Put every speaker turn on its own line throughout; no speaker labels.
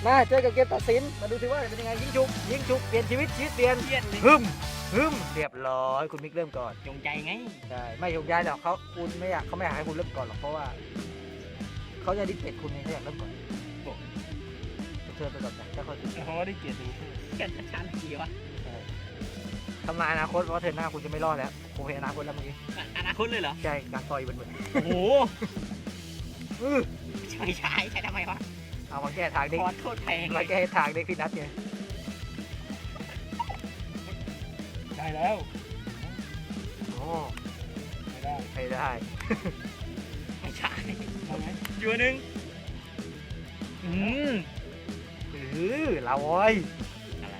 มาเจอกับเกมตัดสินมาดูสิว่าเป็นยังไงยิงฉุกเปลี่ยนชีวิตเปลี่ยน
เครียดเลย
ฮึมเรียบร้อยคุณมิกเริ่มก่อน
จงใจไง
ใช่ไม่ยกย้ายหรอกเขาไม่อยากให้คุณเริ่มก่อนหรอกเพราะว่าเขาจะดิสเกตคุณเขาอยากเริ่มก่อนเชิญไปก่อนนะถ้าเขา
เพราะว่าได้เกียรติหนึ่ง
เกิดชันทีวะ
ทำนายอนาคตว่าเธอหน้าคุณจะไม่รอดแล้วผมเห็นอนาคตแล้วเมื่อกี้
อนาคตเลยเหรอ
ใช่การต่อยเหมือน
โอ้โห
อื้อ
ไม่ใช่ทำไมวะ
เอามาแก้ทางเด็ก
คอร์สโคตรแพงเล
มาย แก้ทางเด็กพี่นัทไง
ได้แล้ว
โอ้
ไม่ได้
ไม่ได้
ไม่ใช่
เอาไหม
อยู่หนึ่งอืม
เราโว้ย
อะไร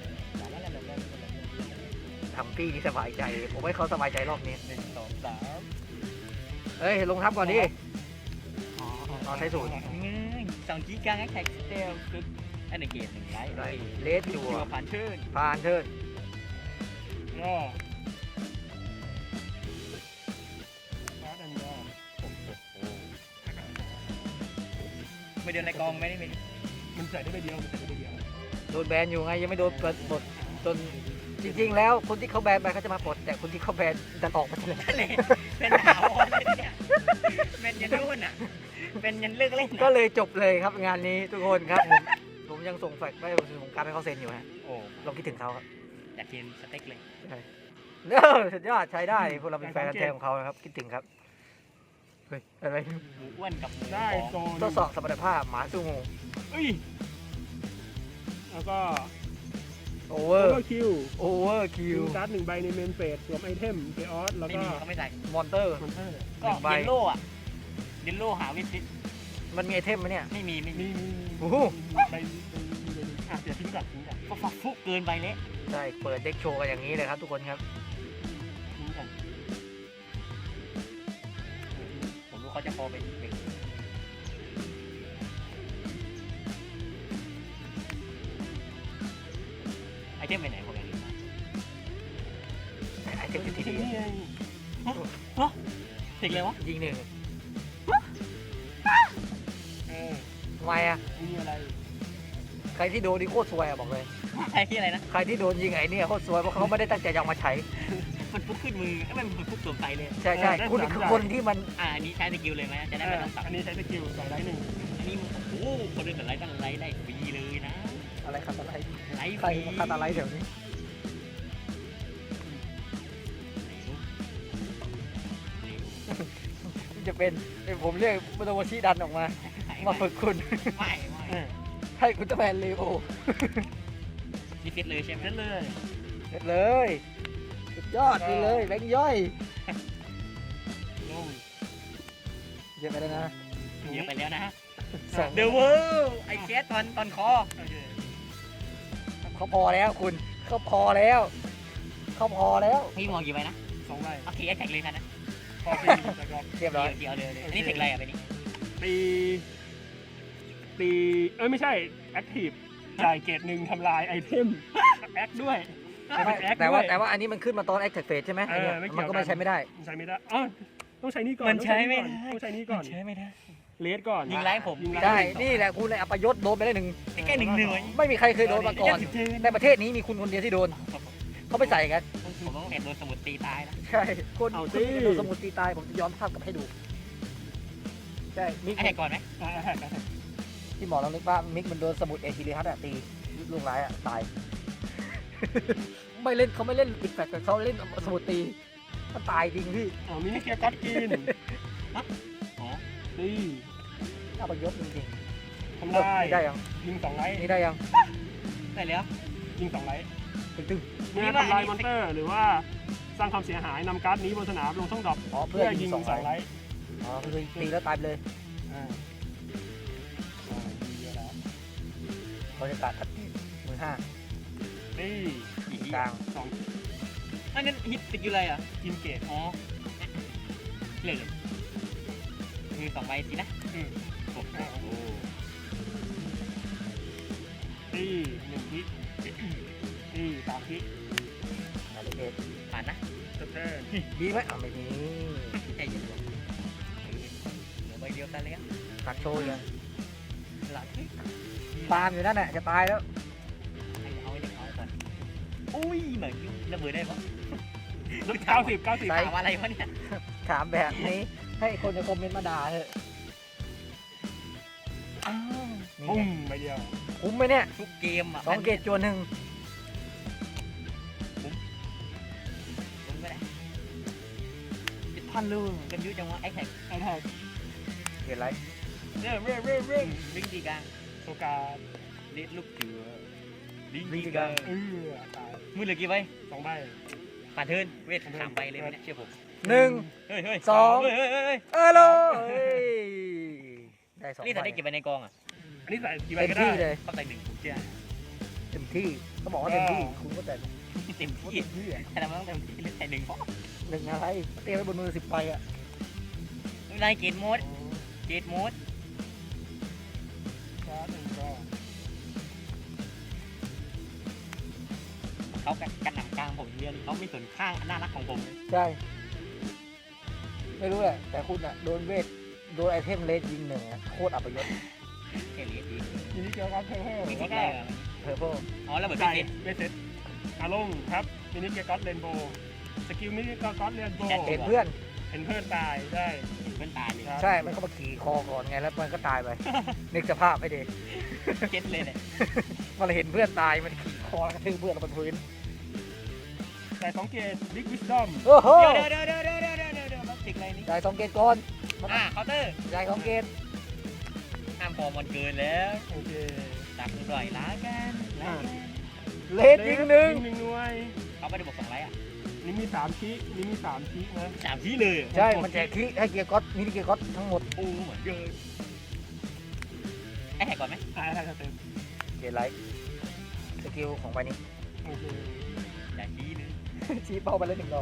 ทำพี่นี่สบายใจผมให้เขาสบายใจรอบนี้
1 2 3
เอ้ยลงทับก่อนดิ
อ๋อ
อ๋อใช้สูตร
2 กิกะแท็กสเตลคืออันในเกม1ไลท์
เลสจั่ว
จัวผ่านเชิญ
ผ่านเทิร์น
ก็การ์ดอันนี้
ไม่เดินในกองไม่ได้ไม่
มันใส่ได้ใบเดียวมันใส่ได้ใบเดียว
โดนแบนอยู่ไงยังไม่โดนเปิดบทจนจริงๆแล้วคนที่เขาแบนไปเขาจะมาปลดแต่คนที่เขาแบนดันออกมาเลย
นั่นเลยเป็นหาวเลยเนี่ยเป็นยันรุ่นอ่ะเป็นยันเลิกเล่น
ก็เลยจบเลยครับงานนี้ทุกคนครับผมยังส่งแฟกซ์ไม่ผมการให้เขาเซ็นอยู่ฮะ
โอ้
ลองคิดถึงเขาครับ
อยากกินสเต็กเลย
เด้อสุดยอดใช้ได้พวกเราเป็นแฟนกันแท้ของเขานะครับคิดถึงครับเฮ้ยอะไร
หมูอ้วนกับหมู
ได้
ฟอง
โซน
ทดสอบสมรรถภาพหมาสู้งู
เอ้ยแล้วก็
โอเว
โอ
อร์
เวอร์คิว
โอเวอร์คิ
คิ
ว
วการ์ด1 ใบในเมนเฟสสวมไอเทมเกออสแล้ว
ไม่
ก็
มีเขาไม่ใส่
มอนเตอร์
คอนเทอร์
ก็
หนึ่งใบ
เยลโล่อะเยลโล่หาวิสิต
มันมีไอเทมไหมเนี่ย
ไม่มี
มี
โอ้โห
ใบอ่ะเดี๋ยวทิ้งก่อน
ก็ฟักฟุกเกินไปเละ
ใช่เปิดเด็กโชว์กันอย่างนี้เลยครับทุกคนครับ
ทิ้งก่อน
ผมรู้เขาจะพอเป็นเด็กไอเทมไปไหนพวกนี้
ไอเทมอยู่ที่
ทิ้ง
นี่
นี่ไง
ถึงเลยวะ
ยิงหนึ่ง
เออ
ทำไมอ่ะ
มีอะไร
ใครที่โดนนี่โคตรซวยอ่ะบอกเลย
ไอ้ที่อะไรนะ
ใครที่โดนยิงไอ้เนี่ยโคตรซวยเพราะเขาไม่ได้ตั้งใจจะเอามาใช้
มันฟุกขึ้นมือไอ้มันฟุกสวมใส่เลย
ใช่ใช่คุณคือคนที่มัน
อันนี้ใช้สกิลเลยไหมจะได้ไม่ต้องสับ
อันนี้ใช้สกิลใส่ได้หนึ่ง
อันนี้มันโอ้โหคนเดินกับไลท์ตั้งไลท์ได้ฟรีเลยนะ
อะไรคาตาไลท์
ไลท์ฟ
ใคร
รี
มาคาตาไลท์แถวนี้จะเป็นผมเรียกโมโตโมชิดันออกมามาฝึกคุณ
ไม่
ให้คุณตะแมนเลโอ
นี่ฟิตเลยใช่ไหม
เล่นเลย
เสร็จเลยสุดยอดไปเลยแบงค์ย่อย
ลง
เยอะไปแล้วนะ
เยอะไปแล้วนะ
สอง
เดอะเวิลด์ไอแคสตอนคอ
โอเค
เขาพอแล้วคุณเขาพอแล้วเขาพอแล้ว
พี่มองกี่ใบนะ
2 ใบ
โอเคแท็กเลยนะ
พอตีแล้วก็
เรียบร้อย
เดี๋ยวเลยอันนี้เทคอะไรอ่ะไปนี่
ตีไม่ใช่แอคทีฟจ่ายเกรด1ทำลายไอเทมแอคด้วย
แต่ว่าอันนี้มันขึ้นมาตอน Active Phase ใช่ไหมไอ้เนี่ย
ไม่เกี่
มั
ย
น
ว
ก็ไม่ใช้ไม่ได้
ใช้ไม่ได้อ๋อต้องใช้นี่ก่อน
มันใช้ไม่ได้
ต้องใช้นี่ก่อน
ใช้ไม่ได้
เลสก่อน
ยิงไล่ผม
ยิงไล่
ใช่นี่แหละคุณเลยอัปยศโดนไปได้หนึ่ง
แค่หนึ่งหน่วย
ไม่มีใครเคยโดนมาก่อน ในประเทศนี้มีคุณคนเดียวที่โดนเขาไปใส่กัน
ผมต้องเห็นโดนสมุดตีตายนะ
ใช่คนคนที่โดนสมุดตีตายผมจะย้อนภาพกลับให้ดูใช่มิก
ไอ้แท็กก่อนไหม
ที่หมอเรานึกว่ามิกมันโดนสมุดเอทีเรียฮัตตีลุงร้ายอ่ะตาย ไม่เล่นเขาไม่เล่นปิดแฟกแต่เขาเล่นสมุดตีมันตายจริงพี่
อ๋อมีให้เกียร์ก๊อตกิน
อ๋อ
ตี
อัปยศจริง
ทำ
ๆ
ลาย
นี่ได้ยัง
ยิง2 ไลท์
นี่ได้ยัง
ได้แล้ว
ยิง2 ไลท์
ตึ้ง
เมื่อทำลายมอนเตอร์หรือว่าสร้างความเสียหายนำการ์ดนี้บนสนามลงช่องดรอป
อ๋อเพื่
เพื่
อ
อ
ยิ
ยิ
ง
ง
สอง
2
ไล
ไล
ท์
ท์
อ๋อคือตีแล้วตายไปเลย
อ่าดีเยอะแล้ว
เขาจะตัดมือห้า
ตี
อีก
กลาง
2
อันนั้นฮิตติดอยู่อะไรอ่ะ
กินเกต
อ๋อเลยมี2ใบสินะ โอ้โห
ตี1 ทิตี3 ทิ
อะไรเด็ด
ผ่านนะ
สเตอร์
ดีไหมไม่ดี
ใจเย็นเหลือใบเดียวกันเลยอ่ะ
ตัดโชว์ยัง
หลัก
ตามอยู่นั่นแหละจะตายแล้ว
เอาไว้เด็กเอาก่อนอุ้ยเหมือนระเบิดได้ปะ
90
ถามอะไรวะเนี่ย
ถามแบบนี้ให้คนในคอมเมนต์มาด่าเถอะ
อ้าว
นี่
ปุ้
ไง
มไปเดียว
คุ้มไหมเนี่ย
ทุกเกมอ่ะ
2 เกตจวนหนึ่ง
ผมก็ได้10,000ลูกกันยุ่จังวะไอ้แท็ก
ไอ้แท็ก
เกตไร
เนี่ยเร่
ลิงดีกลาง
โซกา
ลิดลูกเจือลิง
ลิ
ดี
งดี
ก
ก
ลา
ลาง ง
ตาย
มือเหลือกี่ใบ
2 ใบ
ผ่านเทิร์นเวท3 ใบเลยเนี่ยเชื่อผม
หนึ่ง
เฮ้ย
สอง
เฮ้ย
โลได้2
นี่ถ้าได้เก็บ
ใบ
ใบในกองอ่ะ
อันนี้ใส่กี่ใบ
เต็ม
ก็ได้
ที่เลย
เข้าใจหนึ่งผมเชื่อ
เต็มที่เขาบอกว่าเต็มที่คุณก็แต่
เต็ม
ว่า
ที่
เต็มที่อ่ะ
แต่เราไม่ต้องเต็มที่เลยใส่หนึ่งเพราะ
หนึ่งอะไรเตรียมไว้บนมือ10 ใบอ่ะ
ได้เกตโหมดเกตโหมด
ชาร์จหนึ่งก็
เขากันหนำกลางผมเยอะเลยเขาไม่สนข้างน่ารักของผมเลย
ใช่ ไม่รู้แหละ แต่คุณอ่ะ โดนเวท โดนไอเทมเลสยิงหนึ่งอ่ะโคตรอัปยศ
เกลียดดี
ทีนี้เกี่ยวกับเทอร์เทอร์
มี
แล้ว
ที่
ก็
ได้เหรอ
เพอร์โพ
อ๋อแล้วเหมือน
ไก่
เป็น
เวสเซตอาลงครับมินิเกียร์ก็อตเรนโบว์สกิลมินิเกียร์ก็อตเรนโบว์
เห็นเพื่อน
เห็นเพื่อนตายได้
เพื่อนตายเลย
ครับ
ใช่ มันก็มาขี่คอก่อนไง แล้วมันก็ตายไป นึกสภาพไม่ดี
เก็ตเลยเนี่ย
มันเห็นเพื่อนตาย มันขี่คอกระทืบเพื่อนลงบนพื้น
ใส่2 เกตบิ๊กวิสดอม
โอ้โห
เดี๋ยวมันติดอะไรนี่
จ่าย2 เกตก่อน
เคาน์เตอร์
จ่าย2 เกต
ห้ามพอมันเกินแล้ว
โอเค
ตักปล่อยล้ากันล้ากัน
เลสยิงหนึ่ง
หน่วย
เขาไม่ได้บอก2 ไลท์อ่ะ
นี่มี3ชี้นี่มี3ชี้นะ
3 ที่เลย
ใช่ มันแจกคิให้เกียร์ก๊อตมินิเกียร์ก๊อตทั้งหมด
โอ้เหมือนเดิมไอ้แหกก่อนไหม
ใช่เต็ม
เกตไลท์สกิลของใบนี้
โอเค
อย่าชี้เลย
ชี้เป้าไปเลย1 ดอก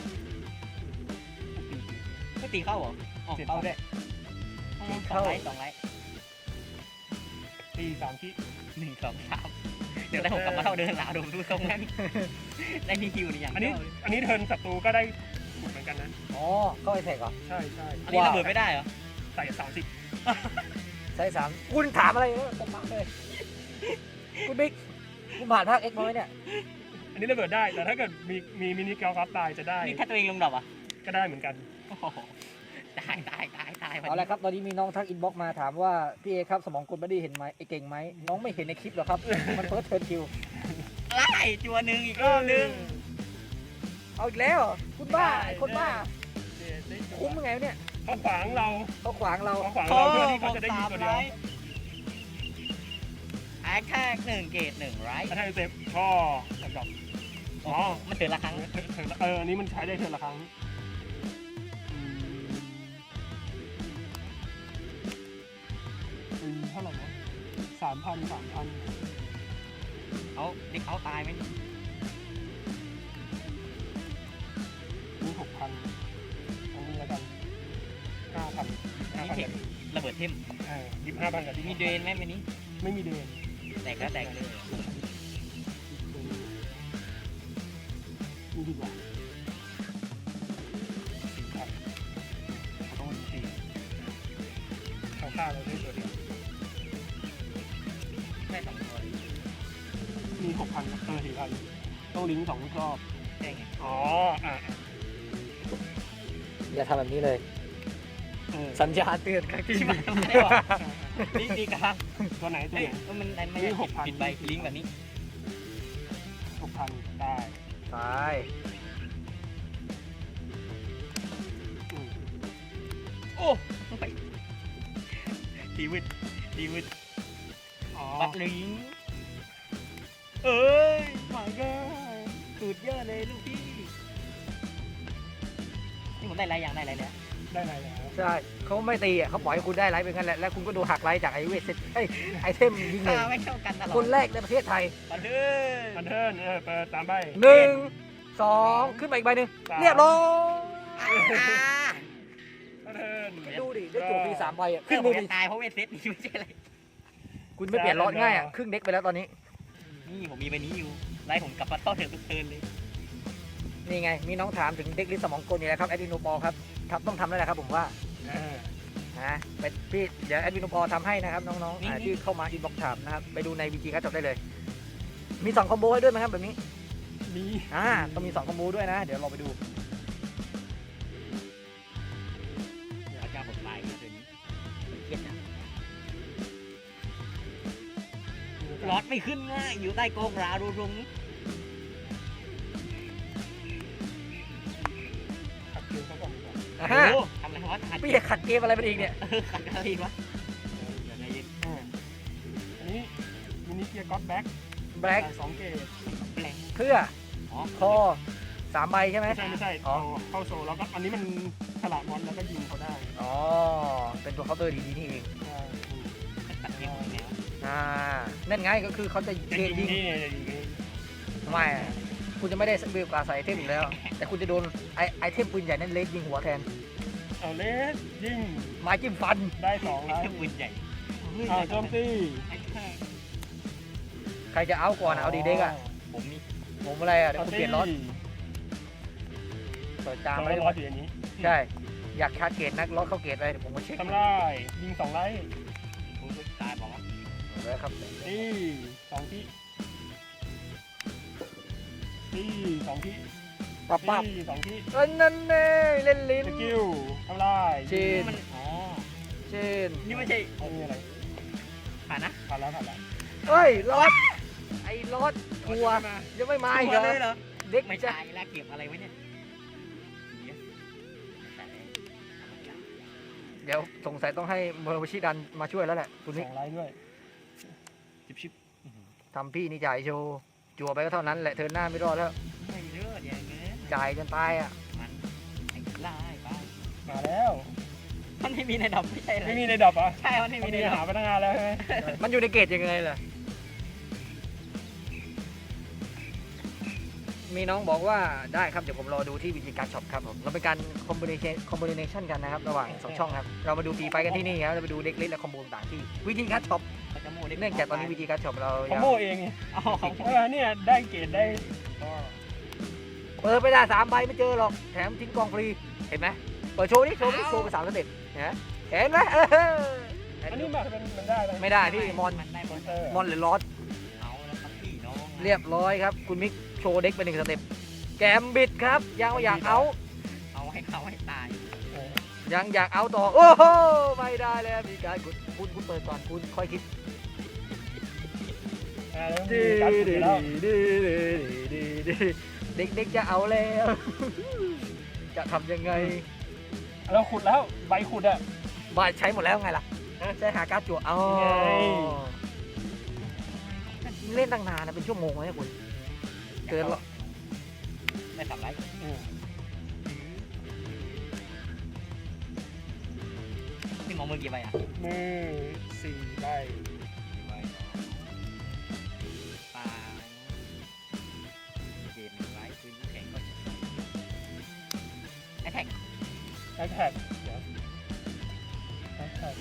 ไม่ตีเข้าเหรออ๋อเข้าด้วย2 ไลท์2 ไลท์
ตี3ชี้
1 2 3เดี๋ยวได้ผมกลับมาเท่าเดิมหลาดมดูตรงนั้นได้ที่คิวนี่อย่าง
อันนี้เทิร์นศัตรูก็ได้ถูกเหมือนกันนะ
อ๋อ เข้าไอแท็กเหรอ
ใช่
อันนี้ระเบิดไม่ได้เหรอ
ใส่30
ใช่3คุณถามอะไรเนี่ยผมมาเลย คุณบิ๊กคุณผ่านภาคเอ็กซ์มาไหมเนี่ย
อันนี้ระเบิดได้แต่ถ้าเกิดมีมินิเกียร์ก็อตตายจะได้
นี่ถ้าตัวเองลงดอกอ่ะ
ก็ได้เหมือนกัน
โอ้โหตาย
เอาละครับ ตอนนี้มีน้องทักอินบ็อกมาถามว่า พี่เอครับสมองคุณไม่ได้เห็นไหมไอเก่งไหม น้องไม่เห็นในคลิปหรอกครับ มันเฟิร์สเทิร์นคิว
ไล่จัวหนึ่งอีกรอบนึง
เอาอีกแล้วเหรอคุณบ้าไอคนบ้า คุ้มยังไงวะเนี่ย
เขาขวางเรา
เขาขวางเรา
เขาขวางเราเพื่อที่เขาจะได้ยิงตัวเดียว
แอคแท็ก1 เกต1 ไรท์
ถ้าเซฟก็กับอ๋อ
มันเตือนละครั้ง
อันนี้มันใช้ได้เทิร์นละครั้งเท่าไหร่นะ3,000
เขาเด็กเขาตายไหมนี่
นี่6,000อันนี้แล้วกัน9,000
นี่เทคระเบิดเทม
25,000กับที่
มีเดนไหมวันนี้
ไม่มีเดน
แตกแล้วแตกเลย
นี่ดีกว่า4,000ต้องมี4เขาฆ่าเราได้ตัวเดียว
แค่2 ตัวเลย
มี 6,000 4,000ต้องลิงก์2 รอบ
ใช่ไง
อ๋ออ่ะ
อย่าทำแบบนี้เลย สัญญาณเตือนครั้งที่
ที่
ห
มั
นึ่
น
ง
ไม่ได้หรอลิงก์ดีกลาง
ตัวไหนตัว
เฮ้ย
ไหน
มันไม่
นี่
ได้
6,000
ปิดใบลิงก์แบบนี้
6,000 ได้
ไป
โอ้ไปทีวิต
อ๋อ
บัตรลิงก์เอ้ยมาได้สุดยอดเลยลูกพี่นี่ผมได้ไรอย่างได้ไรแล้ว
ได้ไหนแล้ว
ใช่เขาไม่ตีอ่ะเขาปล่อยให้คุณได้ไลท์เป็นงั้นแหละ แล้วคุณก็ดูหักไลท์จากไอเวทเซตไอเทมยิงหนึ่ง
ไม่เท่ากันตลอด
คนแรกในประเทศไทย
บันเทิง
อันเทิร์นเปิด3 ใบ
1 2 ขึ้นมาอีกใบหนึ่ง
3
เรียบร้อย
อันเทิร์น
ดูดิ ได้ตัวฟรี3 ใบอ่ะ
ขึ้
ขึ้
น
น
มื
มื
อ
อ
ตายเพราะเวทเซตนี่ไม่ใช่อะไร
คุณไม่เปลี่ยนล็อตง่ายอ่ะ ครึ่งเด็กไปแล้วตอนนี้
นี่ผมมีใบนี้อยู่ไล่ผมกลับมาเท่าเดิมทุกเทิร์นเลย
นี่ไง มีน้องถามถึงเด็กลิสต์สมองกลนี่แหละครับแอดดิโนบอลครับต้องทำแล้วแหละครับผมว่านะเป็นพี่เดี๋ยวแอดมินอุปกรณ์ทำให้นะครับน้องๆที่เข้ามาอินบ็อกซ์ถามนะครับไปดูในวิจีการ์ดจบได้เลย มี2คอมโบให้ด้วยไหมครับแบบนี้
มี
ต้องมี2คอมโบด้วยนะ เดี๋ยวเราไปดู
พระเจ้าผมตายเลยตัวนี้เครียดนะรอดไม่ขึ้นง่ายอยู่ใต้กองราดูตรงนี้
ขัดเกมเขาก่อนดีกว่า
อ่า
โอ้
ฮะ
โหทำอะไรวะขัด
พี่จะขัดเกมอะไรมันอีกเนี่ย
ขัดอะไรวะเดี๋ยวใจเย็น
อันนี้มินิเกียร์ก็อตแบ็ค
แบล็ก
สองเกต
แปลง
เพื่อ
อ๋อ
คอ3ใบใช่ไหม
ไม่ใช่
อ๋อ
เข้าโซลแล้วก็อันนี้มันฉลาดมอนแล้วก็ยิงเขาได้
อ๋อเป็นตัวเคาน์เตอร์ดีๆนี่เอง
ตัดเกมยังไงวะ
นั่นไงก็คือเขาจะ
จะ
เก
ยิ
ม
ง
ยิง
นี่จะยิงนี่
ไม่คุณจะไม่ได้เบลกว่าใส่ไอเทมอีกแล้ว แต่คุณจะโดนไอเทมปืนใหญ่นั่นเลสยิงหัวแทน
เอาเลสยิง
ไม้จิ้มฟัน
ได้2ไล
ไอ้
ท์
ปืนใหญ่
โจมตี
ไอ้แค่
ใครจะเอาก่อนเอาดีเด็กอ่ะ
ผมนี่
ผมอะไรอ่ะเดี๋ยวคุณเปลี่ยนรถเปิดตาม
ไม่
ไม่
ได้
ได้
รออยู่อย่างนี้
ใช่อยากชาร์จเกตนักรถเข้าเกตเลยเดี๋ยวผมมาเช็ค
ทำได้ยิง2ไลท์
ผมก็ตายบอกว่า
แล้วครับ
นี่2ที่นี่2ที่
ปั๊บ
นี่2ที่
นั่นเน่เล่นลิ้น
สกิลทำลาย
จีน
มันอ๋อ
เช่น
นี่ไม่ใช่
ไม่มีอะไร
ผ่านนะ
ผ่านแล้วผ่านแล้ว
เฮ้ยรถไอ้รถกลัวยังไม่มาอีกเหร
เลยเหร
อ
อ
เด็ก
ไม่
จะ
ใช่แล้วเก็บอะไรไว้เนี่ยแต่
เดี๋ยวสงสัยต้องให้โมโรชิดันมาช่วยแล้วแหละคุณนิก
2ไลท์ด้วย
ชิบ
ทำพี่นี่จ่ายโชว์จั่วไปก็เท่านั้นแหละเทิร์นหน้าไม่รอดแล้ว
ไม่เลือดอย่างเงี้ย
จ่ายจนตายอ่ะ
มันไอ้ไล่ไป
มาแล้ว
มันไม่มีในดอกไม่ใช่เหรอ
ไม่มีในดรอปอ่ะ
ใช่มันไม่มีใน
มี
ดอ
หาก พนักงานแล้วใช่ไหม
มันอยู่ในเกตยังไงล่ะมีน้องบอกว่าได้ครับเดี๋ยวผมรอดูที่วิธีการช็อปครับผมเราเป็นการคอมบิเนชันกันนะครับระหว่าง2ช่องครับเรามาดูตีไปกันที่นี่ครับเราไปดูเด็กเล็กและคอมโบต่างๆที่วิธีการช็อป
เขาจะโม่เล็ก
เนื่องจากตอนนี้วิธีการช็อปเรา
คอมโบเองไง
อ๋อของผม
เนี่ยได้เกรดได้
เปิดไปได้3ใบไม่เจอหรอกแถมทิ้งกองฟรีเห็นไหมเปิดโชว์นี่โชว์ไป3สเต็ปนะเห็นไหม
อันนี้มันได้ไหม
ไม่ได้พี่มอน
มันได้มอน
มอนหรือลอส
เอาแล้วครับพี่น้อง
เรียบร้อยครับคุณมิกโชว์เด็กไป1สเต็ปแกมบิดครับยังอยากเอา
เอาให้เขาให้ตาย
ยังอยากเอาต่อโอ้โหไม่ได้แล้วมีการคุณเปิดก่อนคุณค่อยคิด
แล้วมีการขุดอยู่แล้ว
เด็กๆจะเอาแล้ว จะทำยังไง
เราขุดแล้วใบขุดอ่ะ
บ้านใช้หมดแล้วไงล่ะใช้หาการ์ดจั่วเอา
ไง
เล่นตั้งนานนะเป็นชั่วโมงเลยคุณเกินหรอ
ไม่ทำไรพี่มองมือกี่ใบอ่ะ
มือ4ใบ
ปลาเกมไร้พื้นแข็งก็แอทแท็ก
แฮชแท็กเดี๋ยวแฮชแท็ก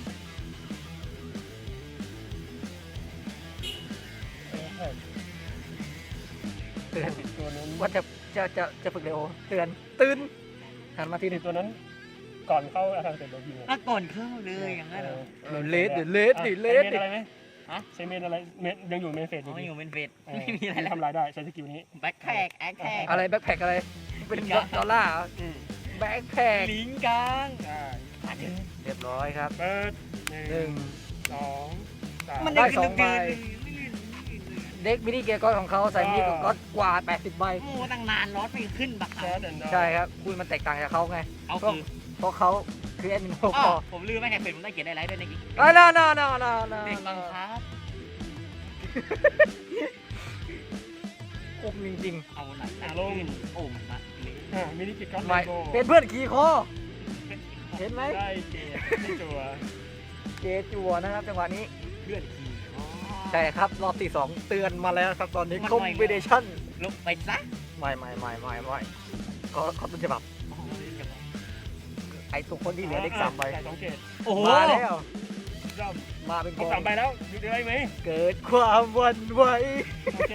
เตือน
ตัวนั้น
ว่าจะฝึกเร็วเตือนตื่นหันมาทีหนึง
ตัวนั้นก่อนเข้าอาคารเสร็จเรายิง
อ่ะก่อนเข้าเลยอย่างนั้นเหรอ
เลสดิเลส
ใช้เมนอะไรไหมใช้เมนอะไรเมนยังอยู่เมนเฟสอ
อ๋
ยู่
อ
ดี
อยู่เป็นเฟสไม่มีอะไรแล้ว
ทำลายได้ใช้สกิลนี้
แบ็คแท็กแอคแท็ก
อะไรแบ็คแพคอะไรเป็นดอลลาร์แบ็คแพค
ลิงกลาง
ได้
เรียบร้อยครับ
เปิด
หนึ่ง
2 3
มัน
ได้
ได้
สองใบ
ไม่ลื่น
เด็กมินิเกียร์ก้อนของเขาใส่มินิเกียร์ก้อนกว่า80ใบ
โอ้ตั้งนานรถไม่ขึ้นบัก
แชร์เดนดอ
ใช่ครับคุณมันแตกต่างจากเขาไง
เอาคือ
เพราะเขาคือแอดมินโฮ
อ๋
ค
อ
อ
ผมลืมไม่แท็กเป็นผมได้เกียรติได้ไลฟ์ด้วยในกิ๊ก
น่า
เด็กบังคับ
คมจริง
เอาหนักลงโอ้มาเลย
มินิกิจก็
ๆ
เล
ไม่
โก้
เป็นเพื่อนขี่คอ เห็นไหม
ได้เกรดไม่จัว
เจจัวนะครับจังหวะนี้
เพื่อนขี่
ใช่ครับรอบที่2เตือนมาแล้วครับตอนนี้คอมบิเนชั่น
ลงไปซะ
ไม่เขาต้นฉบับไอตัวคนที่เหลือเด็ก3ใบ
จ่าย2เกรด
โอ้โห
มาแล้ว
รอบ
มาเป็น
ค
ก
รบ
อง
3ใบแล้วดูได้ไหม
เกิดความหวันไหว
โอเค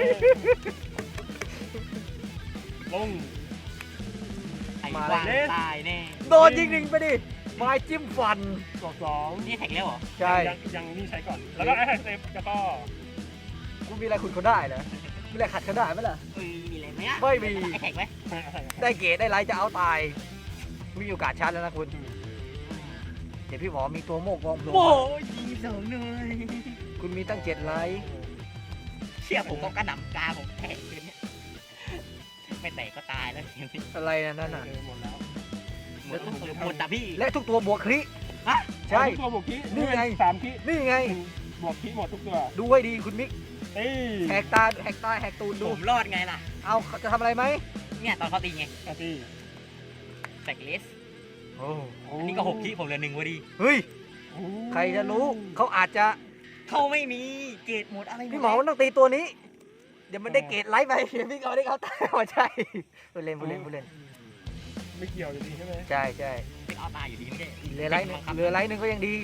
ลง
ไอ้วางตายแน่
โดนยิงหนึ่งไปดิไม้จิ้มฟัน
บวกสอง
นี่แท็กแล้วเหรอ
ใช่
ยังนี่ใช้ก่อน แล้วก็แอคเซปแล้วก็
คุณมีอะไรคุณเขาได้เหรอมีอะไรขัดเขาได้ไหมล่ะ
มีอะไรไหมอ่ะ
ไม่มี
ไอแท็กไหม
ได้เกรดได้ไลท์จะเอาตายมีโอกาสชาร์จแล้วนะคุณเดี๋ยวพี่หมอมีตัวโมกกองโผล่
โอ้ยยิงสองหน่อย
คุณมีตั้ง7ไลท์
เชี่ยผมก็กระหน่ำกาผมแตกเลยเนี่ยไม่แตกก็ตายแล้วเดี๋ยวนี้
อะไรนะนั่นน่ะ
หมดแล้ว
หมดแต่พี่
และทุกตัวบวกคริ
ฮะ
ใช่
ทุกตัวบวกคี
นี่ไง
3คี
นี่ไง
บวกคีหมดทุกตัว
ดูให้ดีคุณมิก
เอ้ย
แหกตาแหกตูนดู
ผมรอดไงล่ะ
เอาจะทำอะไรไหม
เนี่ยตอนเขาตีไง
อาที
แตกเลส
โอ้
อันนี้ก็6 ที่ผมเหลือ1พอดี
เฮ้ยใครจะรู้เขาอาจจะ
เขาไม่มีเกรดหมดอะไร
พี่หมอมันต้องตีตัวนี้ เดี๋ยวมันได้เกรดไลท์ไปเดี๋ยวพี่เขาได้เขาตายมาใช่ผู้เล่น
ไม่เกี่ยวอยู่ดีใช่ไหม
ใช่
เป็นเอาตายอยู่ดีไม่ใช่
เหลือไลท์หนึ่งก็ยังดี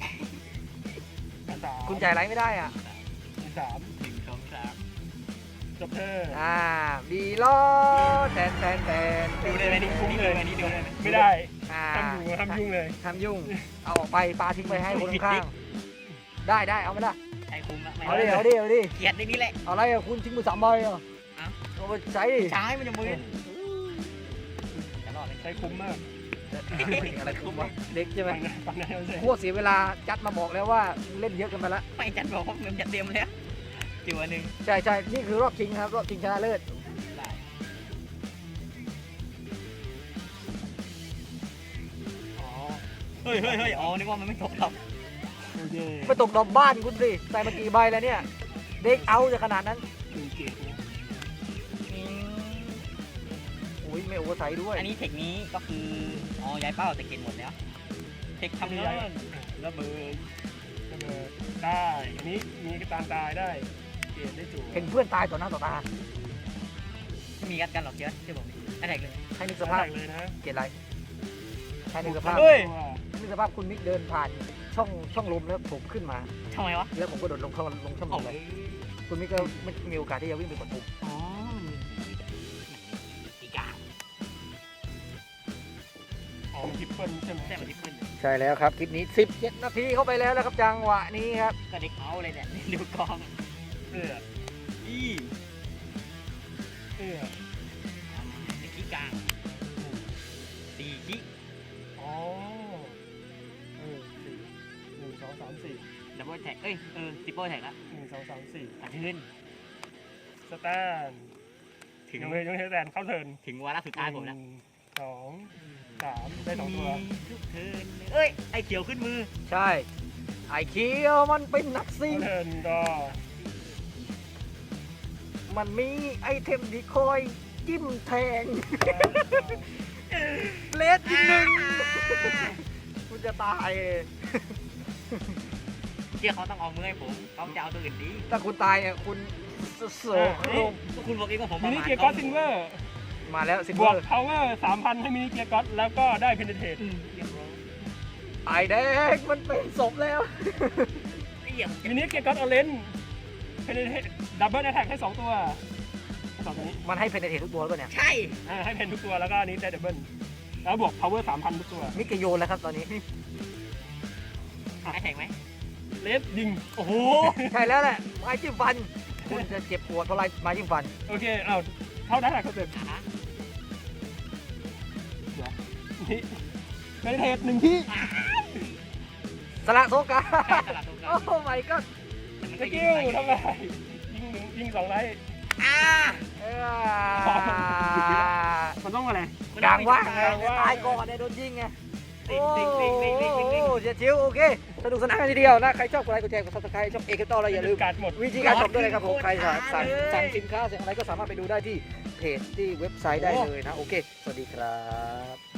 สาม
คุณจ่ายไลท์ไม่ได้อ่ะ
สาม
1 2 3
จบเธอ
บีล้อแทน
ดูเลยไหมนี่ดูเลยไหมนี่ดูเลยไหม
ไม่ได้
อ่า
ทำยุ่งเลย
ทำยุ่งเอาออกไปปาทิ้งไปให้คนข้างได้เอาไม่ได้
ใช้คุ้มละไม่
เอาดิ
เกลียดในนี้แหละ
เอาอะไรอ่ะคุณทิ้งมือ3 ใบอ่ะเอาไปใช้ดิ
ใช้มันจะมือจะรอดไหม
ใช้คุ้มมาก
อะไรคุ้มวะเด็กใช่ไหม
ฟังได้เอาสิ
โคตรเสียเวลาจัดมาบอกแล้วว่าเล่นเยอะเกันไปละ
ไม่จัดบอกว่าเงินจะเต็มแล้วจิ๋วหนึ่ง
ใช่นี่คือรอบชิงครับรอบชิงชนะเลิศ
ได้
อ๋อ
เฮ้ยอ๋อนึกว่ามันไม่ตกหรอก
โอเค
ไปตกดอกบ้านคุณสิใส่มากี่ใบแล้วเนี่ยเด็กเอาจะขนาดนั้น
1เกตนะ
อุ้ยไม่โอเวอร์ไซด์ด้วย
อันนี้เทคนี้ก็คืออ๋อย้ายเป้าแต่เกณฑ์หมดแล้วเทคทำเงิน
ระเบิดได้อันนี้มีกระตานตายได้ เกตได้จู่
เห็นเพื่อนตายต่อหน้าต่อตา
ไม่มีกัดกันหรอกเยอะที่ผมอันแรกเลย
ให้นึก
ส
ส
ภา
ภา
พ
พ
เลยนะ
เกลียดอะไรให้นึกสภาพ
เฮ้ย
ให้นึกสภาพคุณมิกเดินผ่านช่องลมแล้วผมขึ้นมา
ทำไมวะ
แล้วผมก็โดดลงช่องลมเลยคุณมิกก็ไม่มีโอกาสที่จะวิ่งไปกดปุ่ม
อ๋ออีกา
อ๋อทิปเปิลใช่ไหม
แต่มันที่ขึ้น
ใช่แล้วครับคลิปนี้17 นาทีเข้าไปแล้วนะครับจังหวะนี้ครับ
ก็เด็กเอาเลยเนี่ยดูกอง
เอื้อ
อี
เอื้อ
เด็กขี้กลางสี่ขี้
อ๋อ4 1 2 3 4
ดับเบิลแท็กซิปเปิลแท็กละ
1 2 3 4
ตัดขึ้น
สแตน
ถึง
ยังไม่สแตนเข้าเทิร์น
ถึงวาระสุดท้ายผมแล้ว
2 3ได้2ตัว
ทุกเทิร์นเอ้ยไอเขียวขึ้นมือ
ใช่ไอเคียวมันเป็นนักซิ่ง
เข้าเทิร์นก็
มันมีไอเทมที่คอยจิ้มแทงเลสอีกหนึ่งคุณจะตาย
เชื่อเขาต้องเอามือให้ผมเขาจะเอาตัวอื่นดี
ถ้าคุณตายอ่ะคุณโศกลง
คุณบอกเองว่าผมป
มิ
ระ
นิ
มาท
เกียร์ก็อตซิลเวอร์
มาแล้วซิล
บ
เว
ว
อก ร์
พาวเวอร์ 3,000 ให้มินิเกียร์ก็อตแล้วก็ได้เพนเทต
เรียบร้อย
ไอแดงมันเป็นศพแล้ว
ไอ้เหี้ย
มินิเกียร์ก็อตออเรนจ์เพนเทตดับเบิลแอทแทกให้2ตัว2ตัวนี้
มันให้เพนเททุกตัวแล้วเนี่ย
ใช่
ให้เพนทุกตัวแล้วก็อันนี้ได้ดับเบิลแล้วบวกพาวเวอร์ 3,000 ทุกตัว
มิกโยนแล้วครับตอนนี้
ไอแท็กไหม
เลสยิง
โอ้โห
ใช่แล้วแหละไม้จิ้มฟัน คุณจะเจ็บปวดเพราะอะไรไม้จิ้มฟัน
โอเคเอาเข้าได้แหละเขาเต็ม
ขา
นี่เพนเทต1ที่
สละโซกา
ตลาดตรงกลา
โอ้
ง
ไม่ก็
สกิลทำไมยิง2ไลท์
อ่า
มันต้องอะไร
กลางว่างไงตายก่อนเนี่ยโดนยิงไง โอ้โหเสียชิวโอเคสนุกสนานกันทีเดียวนะใครชอบกดไลค์กดแชร์กดซับสไครต์ช่องเอกต่ออะไรอย่าลืม
การหมด
วิธีการช็อปด้วยนะครับผมใครสั่งสินค้าสั่งอะไรก็สามารถไปดูได้ที่เพจที่เว็บไซต์ได้เลยนะโอเคสวัสดีครับ